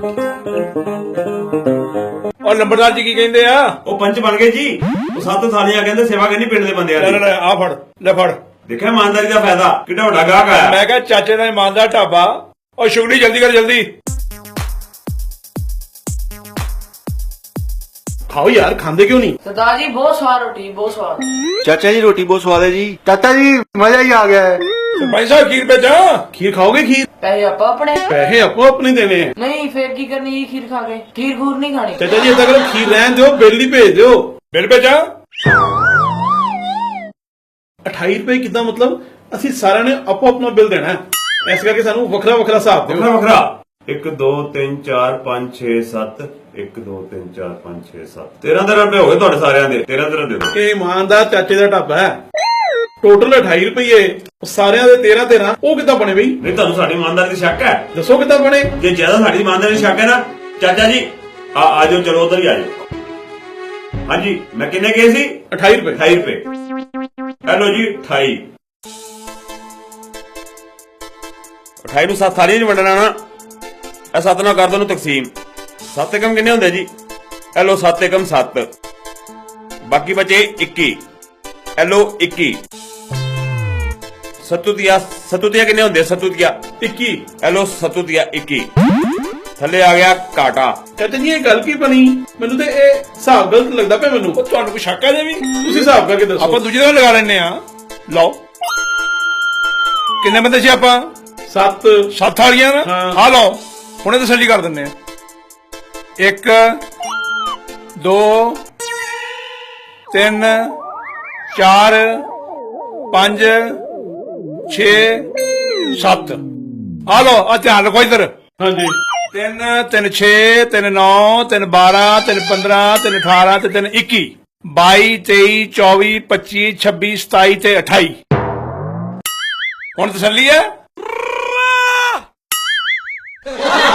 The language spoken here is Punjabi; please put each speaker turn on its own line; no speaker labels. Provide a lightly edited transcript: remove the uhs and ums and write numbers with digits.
और लंबरदार जी की कहते आ
ਉਹ ਪੰਚ ਬਣ ਗਏ ਜੀ। ਉਹ ਸੱਤ ਸਾਲੀਆਂ ਕਹਿੰਦੇ ਸੇਵਾ ਕਰਨੀ ਪਿੰਡ ਦੇ ਬੰਦਿਆਂ
ले
ਦੀ।
ले आ फड़ ले फड़
ਦੇਖਿਆ ਇਮਾਨਦਾਰੀ ਦਾ ਫਾਇਦਾ ਕਿੱਡਾ ਵੱਡਾ ਗਾਹਕ ਆਇਆ।
मैं क्या चाचे का ईमानदार ढाबा और शुगली जल्दी कर जल्दी
खाओ यार, खांदे क्यों नहीं?
सरदार जी बहुत स्वाद रोटी बहुत स्वाद।
चाचा जी रोटी बहुत स्वाद है जी। चाचा जी मजा ही आ गया है।
तो भाई साहब खीर पे जा
खीर खाओगे? खीर
पैसे आपा अपने
पैसे आपको अपने देने हैं।
नहीं फिर की करनी है खीर खा के? खीर खूर नहीं खानी।
चाचा जी इतना करो, खीर रहन दो, बिल ही भेज दो।
बिल पे जा
28 रुपए कितना मतलब ਅਸੀਂ ਸਾਰਿਆਂ ਨੇ ਆਪੋ ਆਪਣਾ ਬਿੱਲ ਦੇਣਾ ਹੈ। ਇਸ ਕਰਕੇ ਸਾਨੂੰ ਵੱਖਰਾ ਵੱਖਰਾ ਹਿਸਾਬ ਦਿਓ।
ਵੱਖਰਾ ਵੱਖਰਾ 1 2 3 4 5 6 7 1 2 3 4 5 6 7 13 ਰੁਪਏ ਹੋ ਗਏ ਤੁਹਾਡੇ ਸਾਰਿਆਂ ਦੇ। 13 ਦੇ ਦਿਓ।
ਇਹ ਇਮਾਨਦਾਰ ਚਾਚੇ ਦਾ ਢਾਬਾ ਹੈ। ਟੋਟਲ 28 ਰੁਪਏ ਸਾਰਿਆਂ ਦੇ 13 13 ਉਹ ਕਿੱਦਾਂ ਬਣੇ ਬਈ?
ਨਹੀਂ ਤੁਹਾਨੂੰ ਸਾਡੀ ਇਮਾਨਦਾਰੀ ਦੀ ਸ਼ੱਕ ਹੈ?
ਦੱਸੋ ਕਿੱਦਾਂ ਬਣੇ?
ਜੇ ਜ਼ਿਆਦਾ ਸਾਡੀ ਇਮਾਨਦਾਰੀ ਦੀ ਸ਼ੱਕ ਹੈ ਨਾ ਚਾਚਾ ਜੀ ਆ ਜਾਓ, ਚਲੋ ਉਧਰ ਹੀ ਆ ਜਾਓ। ਹਾਂਜੀ ਮੈਂ ਕਿੰਨੇ ਗਏ ਸੀ?
28 ਰੁਪਏ।
28 ਰੁਪਏ। ਹੈਲੋ ਜੀ 28 28 ਨੂੰ 7 ਥਾਲੀਆਂ 'ਚ ਵੰਡਣਾ ਨਾ। ਇਹ 7 ਨਾਲ ਕਰ ਦੋ ਨੂੰ ਤਕਸੀਮ। 7 ਏਕਮ ਕਿੰਨੇ ਹੁੰਦੇ ਜੀ? ਹੈਲੋ 7 ਏਕਮ 7 ਬਾਕੀ ਬਚੇ 21। ਹੈਲੋ 21 ਸਤੂਤੀਆ ਕਿੰਨੇ ਹੁੰਦੇ? ਸਤੂਤੀਆ
21।
ਹੈਲੋ ਸਤੂਤੀਆ 21 ਥੱਲੇ ਆ ਗਿਆ ਕਾਟਾ।
ਚਾਚਾ ਜੀ ਇਹ ਗੱਲ ਕੀ ਬਣੀ? ਮੈਨੂੰ ਤੇ ਇਹ ਹਿਸਾਬ ਗਲਤ ਲੱਗਦਾ ਪਿਆ ਮੈਨੂੰ।
ਤੁਹਾਨੂੰ ਕੋਈ ਸ਼ੱਕ ਹੈ ਜੇ ਵੀ
ਤੁਸੀਂ ਹਿਸਾਬ ਕਰਕੇ ਦੱਸੋ।
ਆਪਾਂ ਦੂਜੇ ਦਿਨ ਲਗਾ ਲੈਣੇ ਆ। ਲਓ ਕਿੰਨੇ ਬੰਦੇ ਸੀ ਆਪਾਂ?
7
7 ਵਾਲੀਆਂ ਨਾ
ਹਾਂ।
ਆ ਲਓ ਹੁਣੇ ਤਸੱਲੀ ਕਰ ਦਿੰਨੇ ਆ। 1 2 3 4 5 6 7 ਆ ਲਓ ਆ ਧਿਆਨ ਰੱਖੋ ਇੱਧਰ।
ਹਾਂਜੀ
3 3 6 3 9 3 12 3 15 3 18 ਤੇ 3 21 22 23 24 25 26 27 ਤੇ 28 ਹੁਣ ਤਸੱਲੀ ਹੈ?